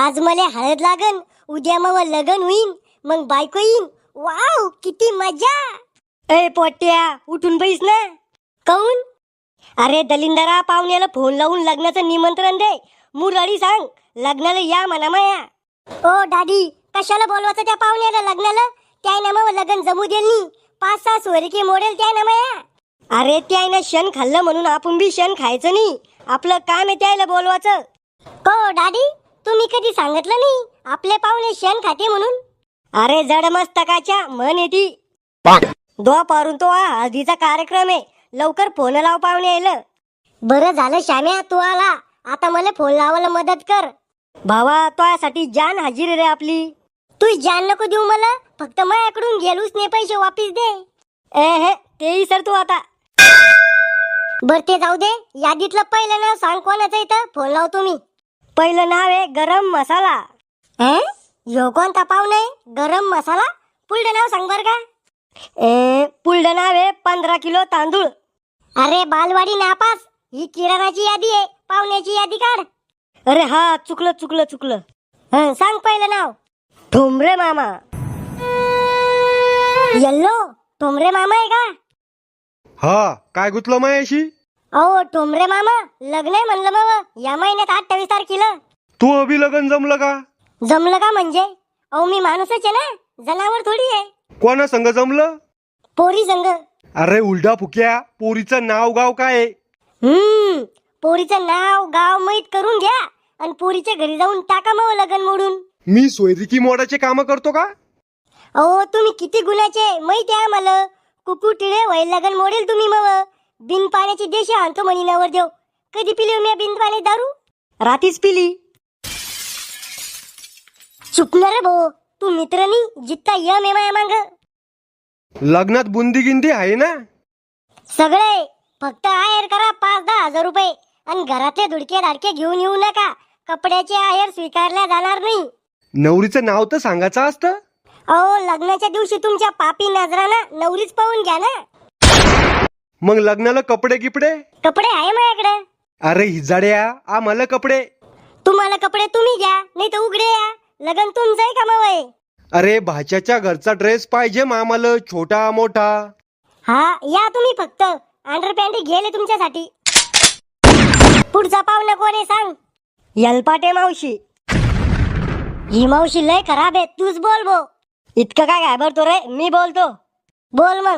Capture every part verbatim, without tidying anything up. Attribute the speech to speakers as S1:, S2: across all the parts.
S1: आज मला हळद लागन, उद्या मग लगन होईन, मग बायको येईन. वाव किती मजा. ए पोट्या उठून बैस ना. काऊन? अरे दलिंदरा, पाहुण्याला फोन लावून लग्नाचं निमंत्रण दे. मुरळी सांग लग्नाला या म्हणा माया. ओ दादी, कशाला बोलवायचं त्या पाहुण्याला लग्नाला? त्या ना मग लग्न जमू देल नी. पाच सहा सोयरीके मोडेल त्या ना माया. अरे त्यानं क्षण खाल्लं म्हणून आपण बी क्षण खायचं नाही. आपलं काम आहे त्याला बोलवायचं. हो दादी, तुम्ही कधी सांगितलं नाही आपले पाहुणे क्षण खाते म्हणून. अरे जड मस्तकाच्या म्हण येती. दो पारून तो हा हळदीचा कार्यक्रम आहे. लवकर फोन लाव पाहुणे यायला. बरं झालं श्याम्या तू आला. आता मला फोन लावायला मदत कर. भावा तुझ्यासाठी जान हाजीर रे आपली. तू जान नको देऊ मला, फक्त माझ्याकडून गेलूच नाही पैसे वापिस दे. ए हे तेही सर तू आता. बर ते जाऊ दे. यादीतलं पहिलं नाव सांग कोणाचं इथं फोन लाव तुम्ही. पहिलं नाव आहे गरम मसाला. हे यो कोणता पाहुणा आहे गरम मसाला? पुढलं नाव सांग बर का. ए पुढलं नाव आहे पंधरा किलो तांदूळ. अरे बालवाडी नापास, ही किराणाची यादी आहे, पाहुण्याची यादी काढ. अरे हा चुकलं चुकलं चुकलं. हं सांग पहिलं नाव. ठोंबरे मामा. यल्लो ठोंबरे मामा आहे का?
S2: हा काय गुतलं मायाशी?
S1: अहो ठोंबरे मामा, लग्न आहे म्हणलं मग या महिन्यात अठ्ठावीस तारखेला.
S2: तू अभि लगन जमलं का?
S1: जमलं का म्हणजे? अहो मी माणूसच आहे ना, जनावर थोडी आहे.
S2: कोणा संग जमलं?
S1: पोरी संग.
S2: अरे उलडा फुक्या, पोरीचं नाव गाव काय आहे?
S1: हम्म पोरीचं नाव गाव माहित करून घ्या आणि पोरीच्या घरी जाऊन टाका मग लगन मोडून.
S2: मी सोयरिकी मोडाचे काम करतो का?
S1: अहो तुम्ही किती गुणाचे माहिती आहे मला. कुकू टिळे वय लगन मोडेल तुम्ही मग. बिन पाण्याची देशी आणतो म्हणी नवर देव. कधी पिली मी बिन पाणी दारू? रातीच पिली. चुकणार भाऊ, तू मित्रनी जित्ता यम आहे मांग.
S2: लग्नात बुंदी गिंदी आहे ना?
S1: सगळे फक्त आहेर करा पाच दहा हजार रुपये आणि घरातले धुडके धाडके घेऊन येऊ नका. कपड्याचे आहेर स्वीकारल्या जाणार नाही.
S2: नवरीचं नाव तर सांगायचं असतं.
S1: अहो लग्नाच्या दिवशी तुमच्या पापी नजरानं नवरीच पाहून घ्या ना.
S2: मग लग्नाला कपडे गिपडे?
S1: कपडे आहे माझ्याकडे.
S2: अरे हिजाड्या, आम्हाला कपडे.
S1: तुम्हाला कपडे तुम्ही घ्या, नाही तर उघडे या. लगन तुमचं आहे का मग?
S2: अरे भाच्याच्या घरचा ड्रेस पाहिजे मामाला, छोटा मोठा.
S1: हा या तुम्ही फक्त. अंडरपॅन्ट गेले तुमच्यासाठी. पुढचा पाहुणा कोण आहे सांग. यलपाटे मावशी. ही मावशी लय खराब आहे, तूच बोल भो. इतकं काय घाबरतो रे, मी बोलतो. बोल मग.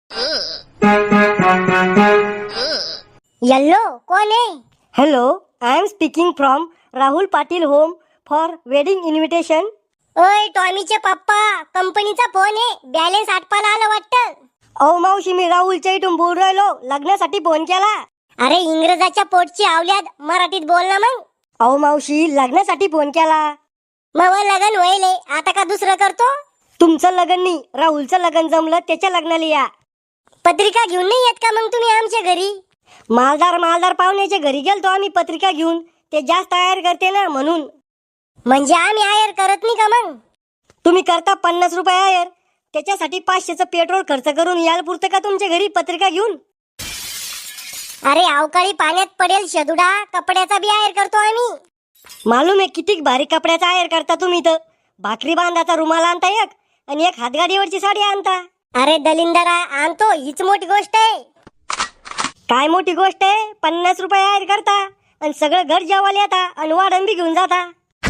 S1: यल्लो कोण आहे? Hello, I am speaking from Rahul Patil home for wedding invitation. ओय टॉमीचे पप्पा, कंपनीचा फोन आहे, बॅलन्स आटपायला आलं वाटतं. अहो मावशी, मी राहुलच्या इथून बोल राहिलो, लग्नासाठी फोन केला. अरे इंग्रजाच्या पोटची आवल्यात, मराठीत बोल ना मग. अहो मावशी, लग्नासाठी फोन केला. मग लग्न व्हायले, आता का दुसरं करतो? तुमचं लग्न नाही, राहुलचं लग्न जमलं, त्याच्या लग्नाला या. पत्रिका घेऊन नाही येत का मग तुम्ही आमच्या घरी? मालदार मालदार पाहुण्याच्या घरी गेलतो आम्ही पत्रिका घेऊन. ते जास्त आयर करते ना म्हणून. म्हणजे आम्ही आयर करत नाही का मग? तुम्ही करता पन्नास रुपये आयर, त्याच्यासाठी पाचशेचं पेट्रोल खर्च करून याल पुरतं का तुमच्या घरी पत्रिका घेऊन? अरे अवकाळी पाण्यात पडेल शदुडा, कपड्याचा बी आयर करतो आम्ही. मालूम आहे किती भारी कपड्याचा आयर करता तुम्ही. तर भाकरी बांधाचा रुमाल आणता एक आणि एक हातगाडीवरची साडी आणता. अरे दलिंदरा आणतो, हीच मोठी गोष्ट आहे. काय मोठी गोष्ट आहे? पन्नास रुपये आयर करता आणि सगळं घर जेवायला येता आणि वाढण बी घेऊन जाता.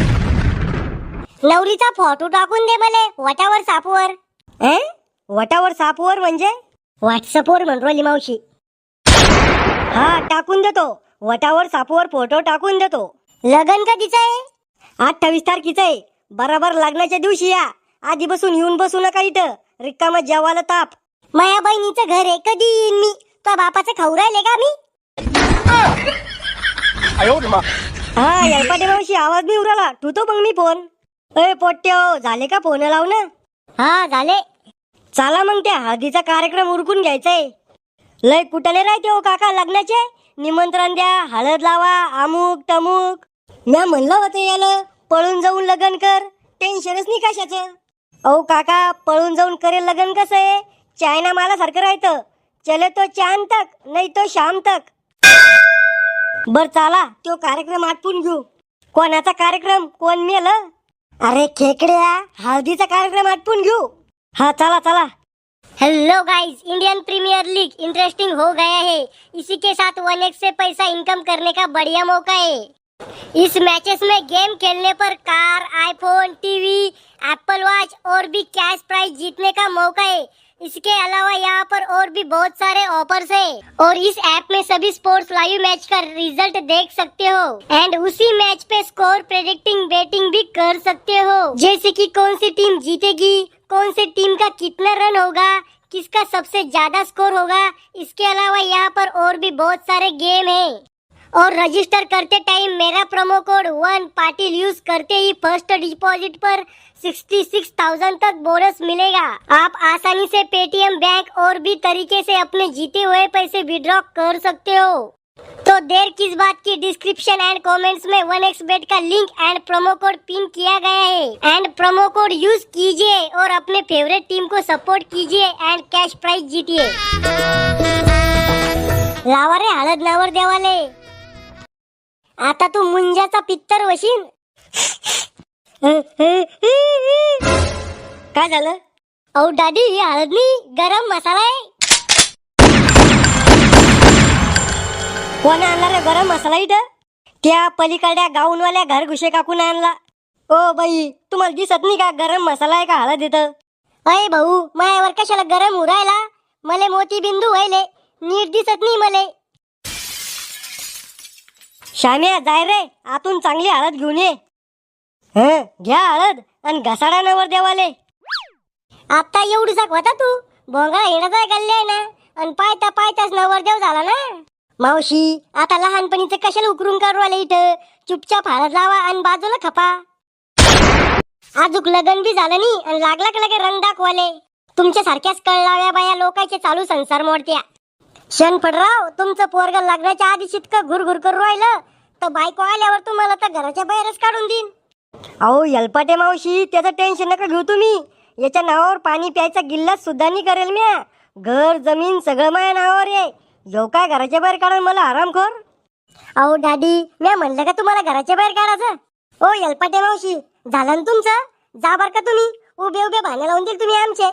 S1: नवरीचा फोटो टाकून दे मला वटावर सापवर. ए वटावर सापवर म्हणजे? व्हॉट्सअपवर म्हणली मावशी. हा टाकून देतो, वटावर सापवर फोटो टाकून देतो. लगन कधीच आहे? अठ्ठावीस तारखेचं आहे. बरोबर लग्नाच्या दिवशी या. आधी बसून येऊन बसू नका इथं, रिकामा जेवायला ताप. माया बहिणीचं घर आहे, कधी येईन मी? तो बापाचं खाऊ राहिले का मी? हा यलपाटे मावशी, आवाज नाही उराला, ठेवतो मग मी फोन. अय पोट्ट्यो, झाले का फोन लावणं? हा झाले. चला मग त्या हळदीचा कार्यक्रम उरकून घ्यायचंय. लय कुठले राहते हो काका लग्नाचे? निमंत्रण द्या, हळद लावा, अमुक तमुक. म्या म्हणलं होतं याला पळून जाऊन लग्न कर, टेन्शनच नाही कशाचं. अहो काका, पळून जाऊन करेल लग्न कसं आहे? चायना मालासारखं राहतं. चले तो चांद तक, नाही तो शाम तक. बर चला तो कार्यक्रम आटपून घेऊ. कोणाचा कार्यक्रम? कोण मेलं? अरे खेकड्या, हळदीचा कार्यक्रम आटपून घेऊ. हा चला चला. Hello guys, Indian Premier League interesting हो गया है. इसी के साथ वन एक्स से पैसा इनकम करने का बढ़िया मौका है. इस मैचेस में गेम खेलने पर car, iPhone, TV, Apple watch और भी कैश प्राइज जीतने का मौका है. इसके अलावा यहाँ पर और भी बहुत सारे ऑफर्स है और इस ऐप में सभी स्पोर्ट्स लाइव मैच का रिजल्ट देख सकते हो एंड उसी मैच पे स्कोर प्रेडिक्टिंग बेटिंग भी कर सकते हो. जैसे कि कौन सी टीम जीतेगी, कौन सी टीम का कितना रन होगा, किसका सबसे ज्यादा स्कोर होगा. इसके अलावा यहाँ पर और भी बहुत सारे गेम है और रजिस्टर करते टाइम मेरा promo code one Patil use करते ही फर्स्ट डिपॉजिट पर सिक्सटी सिक्स थाउजेंड तक बोनस मिलेगा. आप आसानी से पेटीएम बैंक और भी तरीके से अपने जीते हुए पैसे विड्रॉ कर सकते हो. तो देर किस बात की, डिस्क्रिप्शन एंड कमेंट्स में वन एक्स बेट का link and promo code pin किया गया है एंड प्रोमो कोड यूज कीजिए और अपने फेवरेट टीम को सपोर्ट कीजिए एंड कैश प्राइज जीतिए. लावा रे हळद नावर देवाले. आता तू मुंजाचा पित्तर वशीन. काय झालं? अहो दादी, ही हळद नाही, गरम मसाला आहे. कोण आणला रे गरम मसाला इथं? त्या पलीकडल्या गाऊनवाल्या घर घुशे काकून आणला. ओ बाई, तुम्हाला दिसत नाही का गरम मसाला आहे का हळद इथं? अय भाऊ, मायावर कशाला गरम उरायला? मले मोती बिंदू व्हायले, नीट दिसत नाही मले. श्याम्या, जाय रे, आतून चांगली हळद घेऊन ये. हं, घ्या हळद आणि घसाडा नवर देवाले. आता एवढी साक होता तू, भोंगा येण्याचा गल्ले आहे ना, आणि पायता पायताच नवरदेव झाला ना. मावशी, आता लहानपणीचं कशाला उकरून काढवाले इथं? चुपचाप हळद लावा आणि बाजूला खपा. आजूक लगन बी झालं नाही आणि लागला का लगे रंग दाखवाले. तुमच्या सारख्याच कळलाव्या बाया लोकांचे चालू संसार मोडत्या. शनफडराव, तुमचं पोरग लग्नाच्या आधी इतकं घुरघुर करू राहिलं तर बायको आल्यावर तुम्हाला तर घराच्या बाहेरच काढून देईन. अहो यलपाटे मावशी, त्याचं टेन्शन नका घेऊ तुम्ही. याच्या नावावर पाणी प्यायचा गिल्लास सुद्धा नाही करेल म्या. घर जमीन सगळं माझ्या नावावर आहे. येऊ काय घराच्या बाहेर काढून मला आरामखोर? अहो डॅडी, म्या म्हणलं का तुम्हाला घराच्या बाहेर काढायचं? ओ यलपाटे मावशी, झालं ना तुमचं? जा बर का तुम्ही, उभे उभे भांडे लावून देईल तुम्ही आमचे.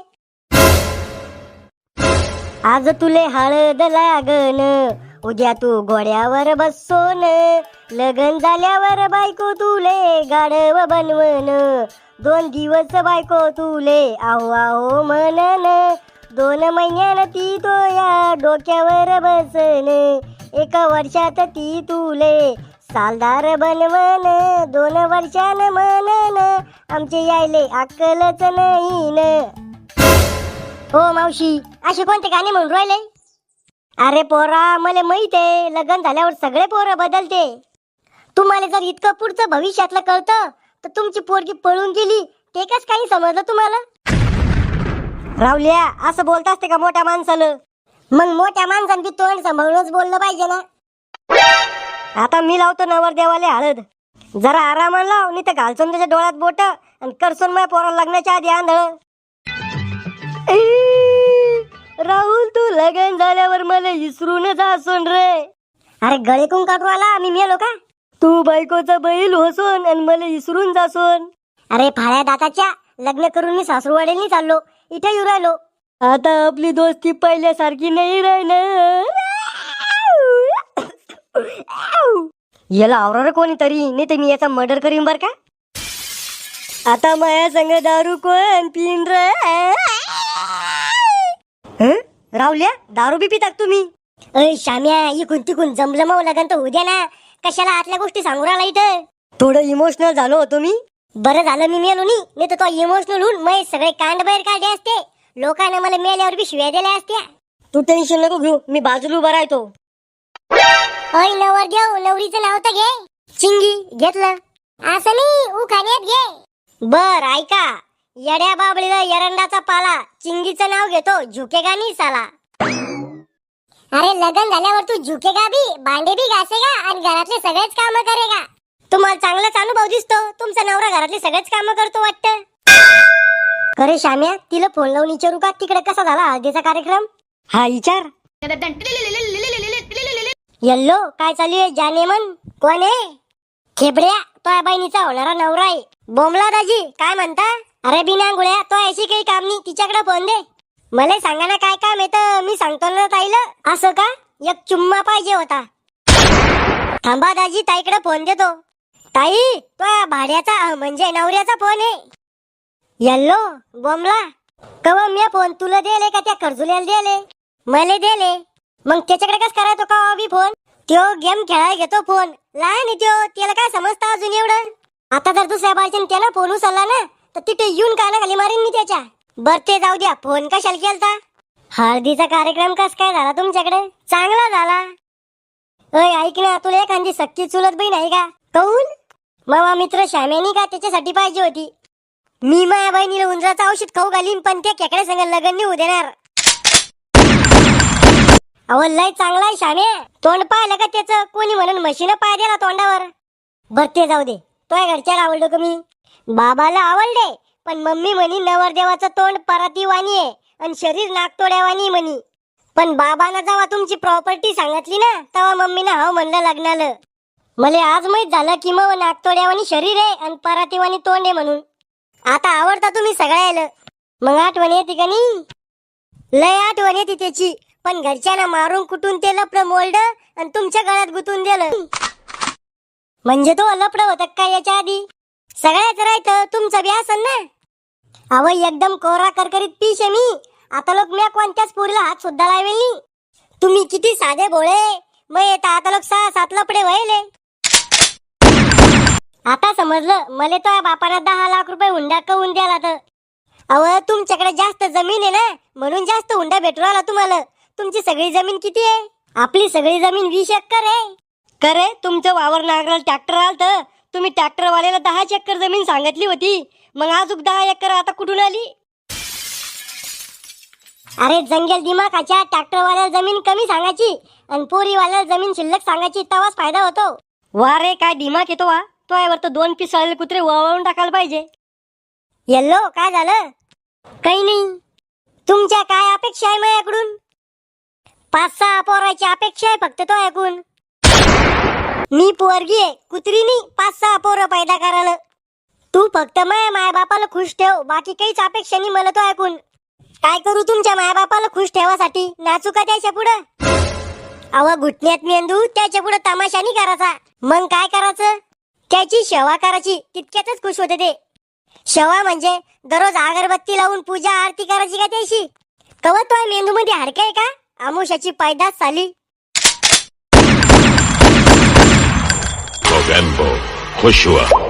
S1: आज तुले हळद लागन, उद्या तू घोड्यावर बसोन, लगन झाल्यावर बायको तुले गाढव बनवन, दोन दिवस बायको तुले आहो आहो म्हणन, दोन महिन्यान ती तोया डोक्यावर बसन, एका वर्षात ती तुले सालदार बनवन, दोन वर्षान म्हणन आमचे यायले अक्कलच नाही न. हो मावशी, असे कोणते गाणे म्हणून राहिले? अरे पोरा, मला माहित आहे लग्न झाल्यावर सगळे पोरं बदलते. तुम्हाला जर इतकं पुढचं भविष्यातलं कळतं तर तुमची पोरगी पळून गेली ते कस काही समजलं तुम्हाला? रावल्या, असं बोलत असते का मोठ्या माणसाला? मग मोठ्या माणसांनी बी तोंड सांभाळूनच बोललं पाहिजे ना. आता मी लावतो नवरदेवाले हळद. जरा आरामानं लाव, नाही तर घालचून त्याच्या डोळ्यात बोट आणि करसून माझ्या पोराला लग्नाच्या आधी आंधळ. राहुल, तू लगन झाल्यावर मला विसरून जासून रे. अरे गळे कोण काढू आला, मी मेलो का? तू बायकोचा बैल होसून आणि मला विसरून जासून. अरे फाळ्या दाताच्या, लग्न करून मी सासरवाडीने चाललो, इथे येऊ राहिलो. आता आपली दोस्ती पहिल्यासारखी नाही राहिलं. याला आवरा कोणीतरी, नाही तर मी याचा मर्डर करीन बर का. आता माया संग दारू कोण पिन रे? रावल्या, दारू बी पितात तुम्ही? अय श्याम्या, इकून तिकून जमलं मग लगन तर उद्या ना. कशाला आतल्या गोष्टी सांगू राहिला इथं? थोडं इमोशनल झालो होतो मी. बरं झालं मी मेलो नाही, नाही तर तो इमोशनल होऊन मग सगळे कांड बाहेर काढले असते. लोकांना मला मेल्यावर बी शिव्या दिल्या असत्या. तू टेन्शन नको घेऊ, मी बाजूला उभा राहतो. अय नवर घेऊ, नवरीचं नाव तर घे. चिंगी घेतलं असं नाही, उखाण्यात घे. बर ऐका, येड्या बाबळीला एरंडाचा पाला, चिंगीचं नाव घेतो झुकेगा नाही साला. अरे लग्न झाल्यावर तू झुकेगा बी, भांडे बी घासेगा आणि घरातले सगळेच काम करेगा. तुम्हाला चांगलाच अनुभव दिसतो, तुमचा नवरा घरातले सगळेच काम करतो वाटतं. अरे श्याम्या, तिला फोन लावून विचारू का तिकडे कसा झाला हळदीचा कार्यक्रम? हा विचार. येल्लो, काय चालू आहे? जाने मन कोण आहे? खेबड्या, तो बहिणीचा होणारा नवरा आहे. बोमला दाजी काय म्हणता? अरे बिना गुळ्या तो अशी काही काम नाही, तिच्याकडे फोन दे. मला सांगा ना काय काम येतं, मी सांगतो ना ताईला. असं का? एक चुम्मा पाहिजे होता. थांबा दाजी, ताईकडे फोन देतो. ताई तो भाड्याचा अं, म्हणजे नवऱ्याचा फोन आहे. यल्लो बोमला कवा मी फोन तुला दिले का त्या खर्जुल्याला दिले? मला दिले. मग त्याच्याकडे कस करायचो का बी फोन? त्यो गेम खेळायला घेतो फोन. लहान आहे त्यो, त्याला काय समजतं अजून एवढं? आता जर दुसऱ्या बायच्यानं त्यानं फोन उचलला ना तर तिथे येऊन कानाखाली मारीन मी त्याच्या. बर ते जाऊ द्या, फोन कशाला केलता? हळदीचा कार्यक्रम कस काय झाला तुमच्याकडे? चांगला झाला. अय ऐक ना, तुला एखादी सक्की चुलत बहीण आहे का? कौन? मामा मित्र श्यामेनी का त्याच्यासाठी पाहिजे होती. मी माझ्या बहिणीला उंदराचं औषध खाऊ घालीन, पण त्या खेकडे संग लग्न नाही होऊ देणार. अहो लय चांगला आहे श्यामे. तोंड पाहिलं का त्याचं? कोणी म्हणून म्हशीनं पाय दिला तोंडावर. बर ते जाऊ दे, तो घरच्याला आवडलो का मी? बाबाला आवडले, पण मम्मी म्हणी नवरदेवाचं तोंड परातीवाणी आहे आणि शरीर नागतोड्यावानी म्हणी. पण बाबांना जेव्हा तुमची प्रॉपर्टी सांगितली ना तेव्हा मम्मीनं हो म्हणलं लग्नाला. मला आज माहित झालं की मग नागतोड्यावानी शरीर आहे आणि परातीवानी तोंड आहे म्हणून. आता आवडता तुम्ही सगळ्याला. मग आठवण येते का नाही? लय आठवण येते त्याची, पण घरच्यांना मारून कुटून ते लपडं मोल्ड आणि तुमच्या गळ्यात गुतून दिलं. म्हणजे तो लपडं होतं काय याच्या आधी? सगळ्याच राहतं तुमचं बी असन ना. अव एकदम कोरा करकरीत पीश आहे मी. आता लोक मी कोणत्याच पोरीला हात सुद्धा लावेल नाही. तुम्ही किती साधे भोळे. मग येता आता लोक सहा सात लपडे व्हायले. आता समजलं. मला तो बापाला दहा लाख रुपये हुंडा कवून द्याला तर. अव तुमच्याकडे जास्त जमीन आहे ना म्हणून जास्त हुंडा भेटू राहिला तुम्हाला. तुमची सगळी जमीन किती आहे? आपली सगळी जमीन वीस एकर आहे. करे तुमचं वावर नांगराला ट्रॅक्टर आलत. तुम्ही ट्रॅक्टर वाल्याला दहा एकर जमीन सांगितली होती. मग अजून दहा एकर आता कुठून आली? अरे जंगल दिमाखाच्या, ट्रॅक्टर वाल्याला जमीन कमी सांगायची आणि पोरी वाल्याला जमीन शिल्लक सांगायची, तेव्हाच फायदा होतो. वा रे काय दिमाग येतो वा. तो यावर तर दोन पीस आलेले कुत्रे वळवून टाकायला पाहिजे. येल्लो काय झालं? काही नाही. तुमच्या काय अपेक्षा आहे माझ्याकडून? पाच सहा पोराची अपेक्षा आहे फक्त तो ऐकून. मी पोरगी आहे, कुत्री नाही पाच सहा पोरं पैदा करायला. तू फक्त माया माया बापाला खुश ठेव, बाकी काहीच अपेक्षा नाही मला तो ऐकून. काय करू तुमच्या माया बापाला खुश ठेवासाठी? नाचू का त्याच्या पुढं? अव घुटण्यात मेंदू, त्याच्या पुढे तमाशा नाही करायचा. मग काय करायचं? त्याची सेवा करायची, तितक्यातच खुश होते ते. सेवा म्हणजे दररोज अगरबत्ती लावून पूजा आरती करायची का त्याशी? कवा तो मेंदू मध्ये हाडकं आहे का? आमुषाची पैदास झाली.
S3: Mogambo, खुश हुआ.